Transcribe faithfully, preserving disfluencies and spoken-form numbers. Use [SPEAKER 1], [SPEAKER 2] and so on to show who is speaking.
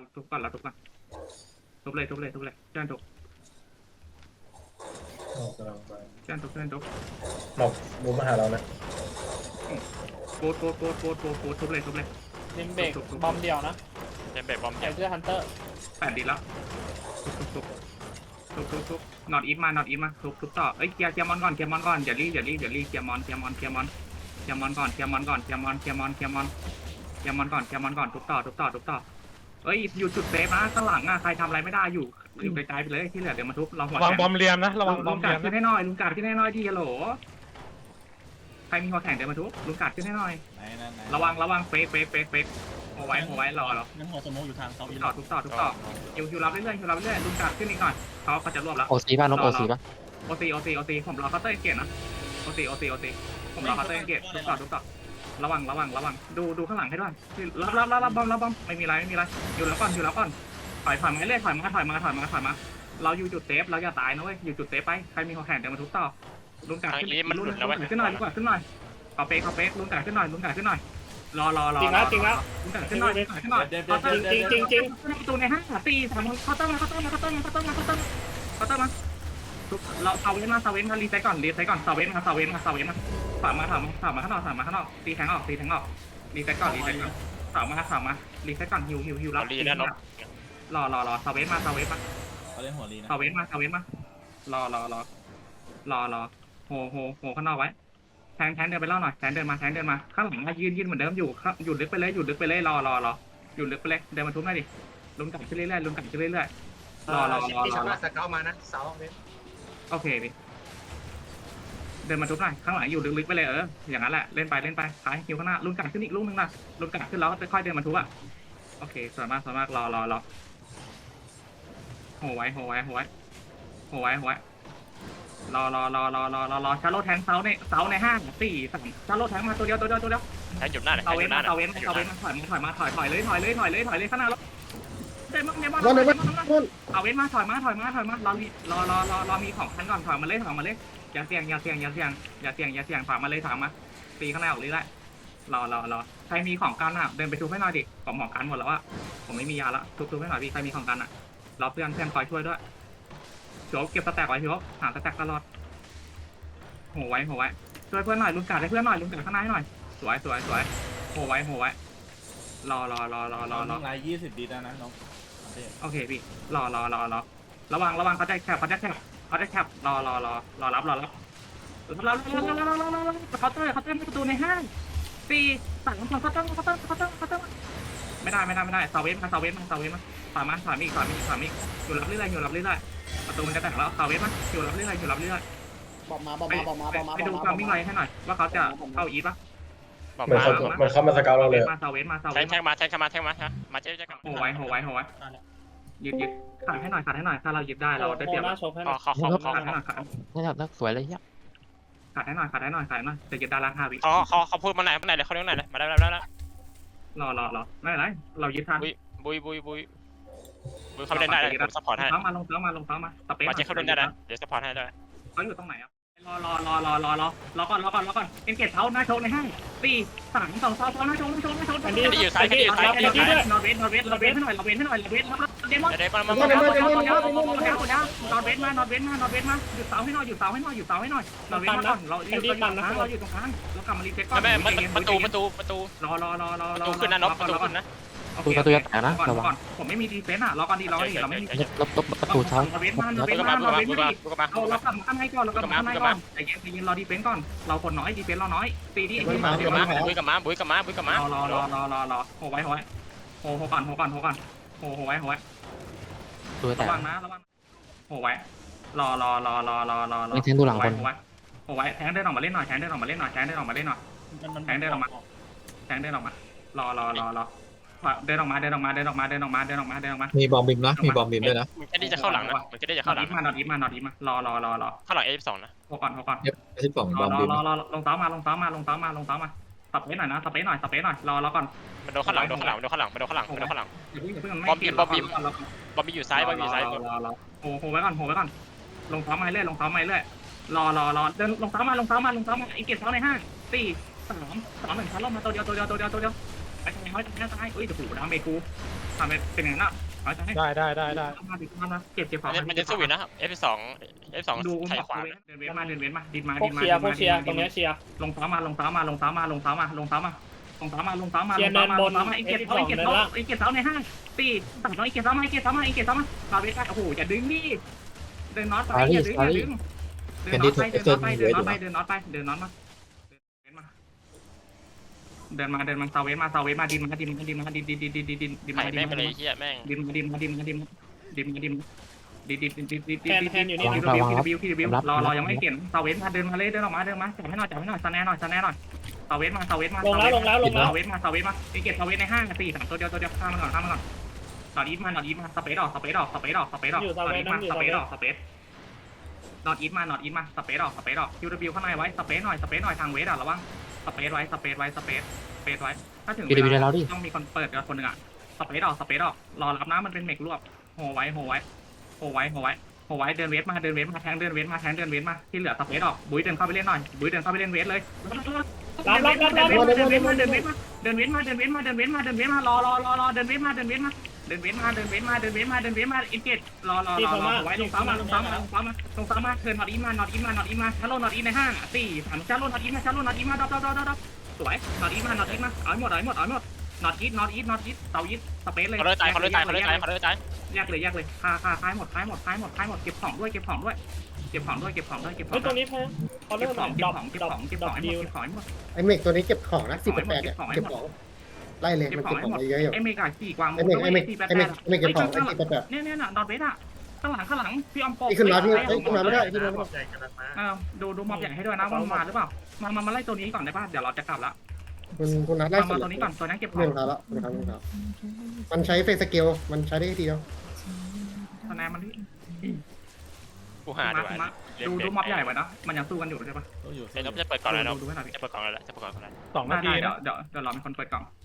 [SPEAKER 1] ทุบก่อนเราทุบก่อนทุบเลยทุบเลยทุบเลยเจ้าทุบ
[SPEAKER 2] หมอกกำลังไป
[SPEAKER 1] เจ้าทุบเจ้าทุบ
[SPEAKER 2] หมอกมูฟมาหาเรานะ
[SPEAKER 1] โคตรโคตรโคตรโคตรโคตรโคตรทุบเลยทุบเลย
[SPEAKER 3] ลิมเบรกบอมเดียวนะ
[SPEAKER 4] เจมเบรกบอม
[SPEAKER 3] ใส่
[SPEAKER 4] เจ็บ
[SPEAKER 3] เสื้อฮันเตอร์
[SPEAKER 1] แปดดีแล้วทุบทุบทุบทุบทุบทุบนอตอีฟมานอตอีฟมาทุบทุบต่อเอ้ยเคลียร์เคลียร์มอนก่อนเคลียร์มอนก่อนอย่ารีบอย่ารีบอย่ารีบเคลียร์มอนเคลียร์มอนเคลียร์มอนเคลียร์มอนก่อนเคลียร์มอนก่อนเคลียร์มอนเคลียร์มอนเคลียร์มอนเคลียร์มอนก่อนเคลียร์มอนก่อนทุบต่อทุบต่อทุบต่อเอ้ยอยู่จุดเซฟนะข้างหลังอ่ะใครทำอะไรไม่ได้อยู่อยู่ไกลๆไปเลยที่เหลือเดี๋ยวมาทุบเราหัว
[SPEAKER 5] ระวัง
[SPEAKER 1] แข็ง
[SPEAKER 5] บอมเรียมนะระวังบ
[SPEAKER 1] ลุ
[SPEAKER 5] อม
[SPEAKER 1] ง
[SPEAKER 5] เรี
[SPEAKER 1] กาย ด
[SPEAKER 5] ม
[SPEAKER 1] ขึ้น
[SPEAKER 5] นะ
[SPEAKER 1] ให้หน่อยลุงกาดขึ้นให้หน่อยที่ฮัลโหลใครมีหัวแข็งเดินมาทุบลุงกาดขึ้นให้หน่อย
[SPEAKER 6] ไหนนั่นไหน
[SPEAKER 1] ระวังระวังเฟกเฟกเฟกเฟกเอาไว้เอาไว้รอรอ
[SPEAKER 6] นั่นหัวสมองอยู่ทางเสา
[SPEAKER 1] ทุ
[SPEAKER 6] อี
[SPEAKER 1] ก
[SPEAKER 6] ห
[SPEAKER 1] ต่
[SPEAKER 6] ล
[SPEAKER 1] อ
[SPEAKER 6] อด
[SPEAKER 1] ทุกต่อทุกต่อฮิวฮิวรับเรื่อยๆฮิวรับเรื่อยๆลุงกาดขึ้นอีกหน่อยเขาเขาจะรวบแล้ว
[SPEAKER 7] โอซีป่ะนกโอซีป่ะ
[SPEAKER 1] โอซีโอซีโอซีผมรอเคาน์เตอร์เกตนะโอซีโอซีโอซีผมรอเคาน์เตอร์เกตทุกต่อทุกต่อระวังระวังระวังดูดูข้างหลังให้ด้วยรับรับรับรับบอมรับบอมไม่มีไรไม่มีไรอยู่แล้วก่อนอยู่แล้วก่อนถอยถอยมาเรื่อยถอยมาถอยมาถอยมาถอยมาเราอยู่จุดเซฟเราอย่าตายนะเว้ยอยู่จุดเซฟไปใครมีหัวแข็งเดี๋ยวมาทุบต่อลุงกาดขึ้นขึ้นหน่อยลุงกาดขึ้นหน่อยเอาเป๊กเอาเป๊กลุงกาดขึ้นหน่อยลุงกาดขึ้นหน่อยรอรอรอ
[SPEAKER 3] จริงนะจริงนะ
[SPEAKER 1] ลุงกาดขึ้นหน่อยขึ้นหน่อย
[SPEAKER 6] เดี๋ยวเดี๋ยว
[SPEAKER 3] จริงจริงจริง
[SPEAKER 1] ประตูในห้างตีสามเคาน์เตอร์มาเคาน์เตอร์มาเคาน์เตอร์มาเคาน์เตอร์มาเคาน์เตอร์มาเคาน์เตอร์มาเราเซาเว้นมาเซาเว้นมารีเซ็ตก่อนรีเซ็ตก่อนเซาเว้นมาเซาเว้นมาเซาเว้นมาถามมาถามมาถามมาข้างนอกถามมาข้างนอกตีแทงออกตีแทงออกรีเซ็ตก่อนรีเซ็ตก่อนถามมาถามมารีเซ็ตก่อนฮิวฮิวฮิวรับ
[SPEAKER 4] รีแน่นอน
[SPEAKER 1] รอรอรอเซาเว้นมาเซาเว้นมา
[SPEAKER 6] เขาเล่นหัวลีนะ
[SPEAKER 1] เซาเว้นมาเซาเว้นมารอรอรอรอรอโหโหโหข้างนอกไว้แทงแทงเดินไปเล่าหน่อยแทงเดินมาแทงเดินมาข้างหลังยืนยืนเหมือนเดิมอยู่หยุดลึกไปเลยหยุดลึกไปเลยรอรอรอหยุดลึกไปเลยเดินมาทุบหน่อยดิลุงกัดขึ้นเรื่อยๆลุงกัดขึ้นเรื่อยๆรอรอรอ
[SPEAKER 8] ที่
[SPEAKER 1] ร
[SPEAKER 8] ชา
[SPEAKER 1] อ
[SPEAKER 8] วบ้านสเกลมานะเสาเนี่ย
[SPEAKER 1] โอเคดิเดินมาทุบหน่อยข้างหลังอยู่ลึกๆไปเลยเอออย่างนั้นแหละเล่นไปเล่นไปท้ายคิวข้างหน้าลุงกัดขึ้นอีกลูกนึงนะลุงกัดขึ้นแล้วก็ค่อยๆเดินมาทุบอ่ะโอเคสวยมากสวยมากรอรอรอโหไว้โหไว้โหไว้โหไว้โหไว้รอรอรอรอรอรอรอชาร์โลแทงเสาในเสาในห้างสี่สามชาร์โลแทงมาตัวเดียวตัวเดียวตัวเดียว
[SPEAKER 4] แทงหยุดหน้าเลย
[SPEAKER 1] เสา
[SPEAKER 4] ห
[SPEAKER 1] เว้
[SPEAKER 4] ยุ
[SPEAKER 1] น
[SPEAKER 4] ดหน้า
[SPEAKER 1] มาเสาเว้นเสาเว้นมาถอยมาถอยมาถอยถอยเลยถอยเลยถอยเลยถอยเลยข้างหน้าแล้วเดมอนเดมอนเดมอนเดมอนเอาเว้นมาถอยมาถอยมาถอยมารอรอรอรอรอมีของคันก่อนถอยมาเลยถอยมาเลยอย่าเสี่ยงอย่าเสี่ยงอย่าเสี่ยงอย่าเสี่ยงอย่าเสี่ยงถอยมาเลยถอยมาตีข้างหน้าออกเลยได้รอรอรอใครมีของกันอ่ะเดินไปทุบให้หน่อยดิผมของกันหมดแล้วอ่ะผมไม่มียาละทุบทุบให้หน่อยพี่ใครมีของกันอ่ะรอเพื่อนเพื่อนคอยช่วยด้วยโจเก็บสแต็กไว้พี่โจหาสแต็กตลอดโหไว้โหไว้ช่วยเพื่อนหน่อยลุงกัดให้เพื่อนหน่อยลุงกัดข้างหน้าให้หน่อยสวยสวยสวยโหไว้โหไว้รอรอรอรอรอรอ
[SPEAKER 6] ไลน์ยี่สิบดีแล้วนะน้อง
[SPEAKER 1] โอเคพี่รอรอรอรอระวังระวังเขาจะแคบเขาจะแคบเขาจะแคบรอรอรอรอรับรอรับรอรอรอรอรอรอรอรอเขาเตอร์เขาเตอร์ประตูในห้างสี่สามสองเขาเตอร์เขาเตอร์เขาเตอร์เขาเตอร์ไม่ได้ไม่ได้ไม่ได้เซาเวสมาเซาเวสมาเซาเวสมาถอยมาถอยมีถอยมีถอยมีอยู่รับเรื่อยๆอยู่รับเรื่อยๆประตูมันจะแตกแล้วเซาเวสมาอยู่รับเรื่อยๆอยู่รับเรื่อย
[SPEAKER 3] บอมมา
[SPEAKER 1] ๆ
[SPEAKER 3] บอมมาบอมมาบอมมา
[SPEAKER 1] ไปดูความวิ่งไวให้หน่อยว่าเขาจะเข้าอีป่ะ
[SPEAKER 4] บอก
[SPEAKER 2] มัน
[SPEAKER 4] มา
[SPEAKER 2] เข้ามันเข้ามาสเกลเราเลย
[SPEAKER 1] มาเซาเวสมาเซา
[SPEAKER 4] แท
[SPEAKER 1] เว
[SPEAKER 4] ง
[SPEAKER 1] ส
[SPEAKER 4] แทงมาแทงมาแทงมามาเจ๊จะกลับ
[SPEAKER 1] โหไว้โหไว้โหไว้ยึดยึดขาดให้หน่อยขาดให้หน่อยถ้าเรายึดได้เราได้เปรียบ
[SPEAKER 3] หน้าโชว์ให้ห
[SPEAKER 4] ข
[SPEAKER 3] น่
[SPEAKER 4] อ
[SPEAKER 3] อย
[SPEAKER 4] ขอขอขอ
[SPEAKER 1] ขาดให้หน่อยขาด
[SPEAKER 7] นี่ครับนักสวยเลยเฮีย
[SPEAKER 1] ขาดให้หน่อยขาดให้หน่อยขาดให้หน่อยจะยึดได้ล้างห้าวิ
[SPEAKER 4] ขอขอขอพูดมาไหนมาไหนเลยเขาเรียกไหนเลยมาได้แล้วแล้ว
[SPEAKER 1] รอรอรอไม่เป็นไรเรายึดทัน
[SPEAKER 4] บุยบุยบุยบุยบุยเขาเล่นได้เลยผมซัพพอร์ตให้
[SPEAKER 1] ลงเท้ามาลงเท้ามาลงเท้ามาสเปซ
[SPEAKER 4] มาเจ๊เขาเล่นได้นะเดี๋ยวซัพพอร์ตให้ด้วย
[SPEAKER 1] เขาอยู่ตรงไหนอ่ะรอรอรอรอรอรอรอก่อนรอก่อนรอก่อนเอ็นเกตเท้าหน้าโชว์ในห้างสี่สามสองสองหน้าโชว์หน้าโชว์หน้าโชว์
[SPEAKER 4] แคนดี้อยู่ซ้ายแคนดี้อยู่ซ้ายแคนดี้อยู่ซ้าย
[SPEAKER 1] นอร์เวสนอร์เวสนอร์เวสให้หน่อยนอร์เวสให้หน่อยนอร์เวสเดมอน
[SPEAKER 4] เดี๋ยวมาม
[SPEAKER 1] น
[SPEAKER 4] า
[SPEAKER 1] อร์เวสมานอร์เวสมานอร์เวสมานอร์เวสมานอร์เวสมาหยุดเสาให้หน่อยหยุดเสาให้หน่อยหยุดเสาให้หน่อยนอร์เวสมาก่อนเราอยู่ตรงกลางเราอยู่ตรงกลางเรากลับมารีเซ็ตก่อน
[SPEAKER 4] แม่ประตูประตูประตู
[SPEAKER 1] รอรอรอรอ
[SPEAKER 4] ประตูขึ้นนะนกประตูขึ้นนะ
[SPEAKER 7] ประตูประตูจะแตกนะระวัง
[SPEAKER 1] ผมไม่มีดีเฟนต์อ่ะรอก่อนดีรอดิเราไม่มี
[SPEAKER 7] ลบลบประตูเท้า
[SPEAKER 1] เราเว้นมาเรา
[SPEAKER 4] บุ
[SPEAKER 1] เว้
[SPEAKER 4] ก
[SPEAKER 1] น
[SPEAKER 4] มา
[SPEAKER 1] มา
[SPEAKER 4] บุก
[SPEAKER 1] เรา
[SPEAKER 4] มา
[SPEAKER 1] เว้น
[SPEAKER 4] บุก
[SPEAKER 1] มา
[SPEAKER 4] มาบุกมา
[SPEAKER 1] เอาเรากลับมาข้างในก่อนเรากลับมาข้างในก่อนใจเย็นใจเย็นรอดีเฟนต์ก่อนเราคนน้อยดีเฟนต์เราน้อยตีที่
[SPEAKER 4] บุยกับมาบุยกับมาบุยกับมาบุยกับมาร
[SPEAKER 1] อรอรอรอรอโหไว้โหไว้โหโหก่อนโหก่อนโหก่อนโหโหไว้โหไว้
[SPEAKER 7] ตัวแต
[SPEAKER 1] ระ
[SPEAKER 7] ก
[SPEAKER 1] วังนะระวังโหไว้รอรอรอรอรอรอรอ
[SPEAKER 7] ไม่แทงดูหลังคน
[SPEAKER 1] โหไว้โหไว้แทงเดินออกมาเล่นหน่อยแทงเดินออกมาเล่นหน่อยแทงเดินออกมาเล่นหน่อยแทงเดินออกมาแทงเดินออกมารอรอรอรอเดินออกมาเดินออกมาเดินออกมาเดินออกมาเดินออกมาเดินออกมา
[SPEAKER 9] มีบอมบิมนะมีบอมบิมด้วยนะ
[SPEAKER 4] มึงแค่นี้จะเข้าหลังนะมึงแค่นี้จะ
[SPEAKER 1] นอ
[SPEAKER 4] เข้า
[SPEAKER 1] ด
[SPEAKER 4] หลั
[SPEAKER 1] อี
[SPEAKER 4] ง
[SPEAKER 1] ฟมานอดอีฟมานอดอีฟมารอรอรอรอ
[SPEAKER 4] เข้าหลังเอฟสองนะ
[SPEAKER 1] โหก่อนโหก่อน
[SPEAKER 9] เอฟสิบสอง
[SPEAKER 1] ร
[SPEAKER 9] บ
[SPEAKER 1] อ
[SPEAKER 9] อม
[SPEAKER 1] รอ
[SPEAKER 9] บิม
[SPEAKER 1] รอรอลงเท้ามาลงเท้ามาลงเท้ามาลงเท้ามาสเปซหน่อยนะสเปซหน่อยสเปซหน่อยรอรอก่อน
[SPEAKER 4] มันโดนข้างหลังโดนข้างหลังโดนข้างหลังโดนข้างหลังโดนข้างหลัง
[SPEAKER 1] อย่าเพิ่งอย่าเพิ่งไม่
[SPEAKER 4] บอมบี้บอมบี้ บอมบี้อยู่ซ้ายบอมบี้อยู่ซ้าย
[SPEAKER 1] รอรอรอโหโหไว้ก่อนโหไว้ก่อนลงเท้ามาเรื่อยลงเท้ามาเรื่อยรอรอรอเดินลงเท้ามาลงเท้ามาลงเท้ามาอีกเก็บเท้าในห้างสี่สามสองหนึ่งชั้นลงมาตัวเดียวตัวเดียวตัวเดียวตัวเดียวไปทางไหนไปทางไหนเอ้ยเดี๋ยวกูดาเมจกูสทำเป็นเป็นอย่างนั้นเอาจะให้
[SPEAKER 6] ได้ได้ได้ได้
[SPEAKER 1] มาดิมาเก็บเก็บของ
[SPEAKER 4] มันจะสู้อยู่นะ เอฟ สอง เอฟ สอง
[SPEAKER 1] ดู
[SPEAKER 4] ไถ่ขวา
[SPEAKER 1] เดินเว้นมาเดินเว้นมาดินมา
[SPEAKER 3] พว
[SPEAKER 1] ดิ
[SPEAKER 3] ก
[SPEAKER 1] นมา
[SPEAKER 3] เชียร์พวกเชียร์ต
[SPEAKER 1] ดิ
[SPEAKER 3] รง
[SPEAKER 1] น
[SPEAKER 3] เนี้
[SPEAKER 1] มาย
[SPEAKER 3] เชียร์
[SPEAKER 1] ลงเท้ามาลงเท้ามาลงเท้ามาลงเท้ามาลงเท้ามาลงเท้ามาลงเท้ามาลงเท้ามา
[SPEAKER 3] เชียร์เนินบน
[SPEAKER 1] ไอ้เก็บเขาไอ้เก็บเขาไอ้เก็บเขาในห้างตีตัดน้อยไอ้เก็บเขามาไอ้เก็บเขามาไอ้เก็บเขามาเราไปกันโอ้โหอย่าดึงดิเดินน็อตไปอย่าดึงอย่าดึงเดินน็อตไปเดินน็อตไปเดินน็อตไปเดินน็อตไปเดินน็อตมาเดินมาเดินมาเซาเวสมาเซาเวสมาดินมาดินมาดินมาดินดินดินดินดินดินดิน
[SPEAKER 4] ไถ่
[SPEAKER 1] มาดิ
[SPEAKER 4] แม่ง
[SPEAKER 1] น
[SPEAKER 4] ไป
[SPEAKER 1] มา
[SPEAKER 4] เลย
[SPEAKER 1] ดิน
[SPEAKER 4] เฮียแม่ง
[SPEAKER 1] ดินมาดินมาดินมาดินดินมาดินดินดินดินดินดินดินดิน
[SPEAKER 3] แทนแทนอยู่นี่
[SPEAKER 1] พี่ดิวพี่ดิวพี่ดิวรอรอยังไม่เขียนเซาเวสมาเดินมาเลยเดินออกมาเดินมาจับให้หน่อยจับให้หน่อยสแนนหน่อยสแนนหน่อยเซาเวสมาเซาเวสมา
[SPEAKER 3] ลงแล้วลงแล้วลงแล้ว
[SPEAKER 1] เซาเวสมาเซาเวสมาไอเก็บเซาเวสในห้างสี่สามตัวเดียวตัวเดียวข้ามมาก่อนข้ามมาก่อนนอตอีทมานอตอีทมาสเปซออกสเปซออกสเปซออกสเปซออกนอตอีทมาสเปซออกสเปซนอตอีทมานอตอีทมาสเปซออกสเปซออกคิวดิวข้างในไว้สเปซหน่อยสเปซหน่อยทางเวสอ่ะระวังสเปซไว้สเปซไว้สเปซสเปซไว้ถ้าถึง
[SPEAKER 7] พี่ดีวีได้แล้วดิ
[SPEAKER 1] ต้องมีคนเปิดกับคนหนึ่งอ่ะสเปซออกสเปซออกรอรับน้ำมันเป็นเมกรวบโหไว้โหไว้โหไว้โหไว้โหไว้เดินเวสมาเดินเวสมาแทงเดินเวสมาแทงเดินเวสมาที่เหลือสเปซออกบุ้ยเดินเข้าไปเล่นหน่อยบุ้ยเดินเข้าไปเล่นเวสเลย
[SPEAKER 3] รับรับรับรับ
[SPEAKER 1] เดินเวสมาเดินเวสมาเดินเวสมาเดินเวสมาเดินเวสมาเดินเวสมารอรอรอรอเดินเวสมาเดินเวสมาเดินเวสมาเดินเวสมาเดินเวสมาเดินเวสมาอินเกตรอรอรอรอไว้ลงซ้ำมาลงซ้ำมาลงซ้ำมาลงซ้ำมาเทิร์นนอตอีมานอตอีมานอตอีมาชาโลนอตอีในห้างสี่สามชาโลนอตอีมาชาโลนอตอีมาดอดอดอดอดสวยนอตอีมานอตอีมาเอาหมดเอาหมดเอาหมดนอตอีทนอตอีทนอตอีทเตาอีทสเปซเลย
[SPEAKER 4] เขาเลยตายเขาเลยตายเขาเลยตายเขาเลยตาย
[SPEAKER 1] แยกเลยแยกเลยคาคาคายหมดคายหมดคายหมดคายหมดเก็บของด้วยเก็บของด้วยเก็บของด้วยเก็บของด้วยเก็บขอ
[SPEAKER 3] เฮ้ย
[SPEAKER 1] ง
[SPEAKER 3] ตรงนี้แพ้เขา
[SPEAKER 1] เก็
[SPEAKER 3] เริ่
[SPEAKER 1] บ
[SPEAKER 3] ม
[SPEAKER 1] ของเก็
[SPEAKER 3] ด
[SPEAKER 1] บ
[SPEAKER 3] อก
[SPEAKER 1] ของเก็บ
[SPEAKER 3] ดอก
[SPEAKER 1] ของเก็บ
[SPEAKER 3] ด
[SPEAKER 1] ข
[SPEAKER 3] อ
[SPEAKER 1] อก ง
[SPEAKER 3] ดิว
[SPEAKER 1] เก็บของหมด
[SPEAKER 5] ไอเมกตัวนี้เก็บของนะสิบแปดเนี่ยเก็บของไล่เลย
[SPEAKER 1] เก็บ
[SPEAKER 5] มัน
[SPEAKER 1] ของ
[SPEAKER 5] เก็บ
[SPEAKER 1] ให้
[SPEAKER 5] ของ
[SPEAKER 1] หมด
[SPEAKER 5] ไปเยอะอยู่
[SPEAKER 1] ไอเมกาสี่กวาง
[SPEAKER 5] ไอเมกไอเมกไอเมกไอเมกเก็บของไอสี่แปด
[SPEAKER 1] เนี่ยเนี่ยน่ะดอทเวสอ่ะข้างหลังข้างหลังพี่ออมโป
[SPEAKER 5] นี่ขึ้นมาพี่เอ้ยขึ้นมาไม่ได้ขึ้นมาไม่ได้
[SPEAKER 2] ใหญ่ขนาดมา
[SPEAKER 1] เออดูดูมอบใหญ่ให้ด้วยนะว่ามาหรือเปล่ามามามาไล่ตัวนี้ก่อนได้ป่ะเดี๋ยวเราจะกลับละ
[SPEAKER 5] คุณคุณนัดไล่
[SPEAKER 1] มา
[SPEAKER 5] สุ
[SPEAKER 1] มา
[SPEAKER 5] ด
[SPEAKER 1] ตัวนี้ก่อนตัวนั้นเก็บขอ
[SPEAKER 5] เรื่อง
[SPEAKER 1] ง
[SPEAKER 5] เขาแล้วนะครับเรื่องเขามันใช้เฟสสเกลมันใช้ได้ทีเดียว
[SPEAKER 1] คะแนนมันที่
[SPEAKER 4] กูหาดีกว่า
[SPEAKER 1] มาดูดูมอบใหญ่ไว้นะมันยังสู้กันอยู่ใช่ปะ
[SPEAKER 6] ต้องอยู่
[SPEAKER 4] เดี๋ยวจะเปิดก่อนแล้วเนาะ
[SPEAKER 1] ดูให้หน่อย
[SPEAKER 4] จะเปิดก่อนแล้วจะเปิดก่อนแล้ว
[SPEAKER 6] สอง
[SPEAKER 1] ได้
[SPEAKER 6] นาที
[SPEAKER 1] ได้เดี๋ย
[SPEAKER 6] นะ
[SPEAKER 1] วเดี๋ยวเดี๋ยวเราเป็นคนเปิดกล่อง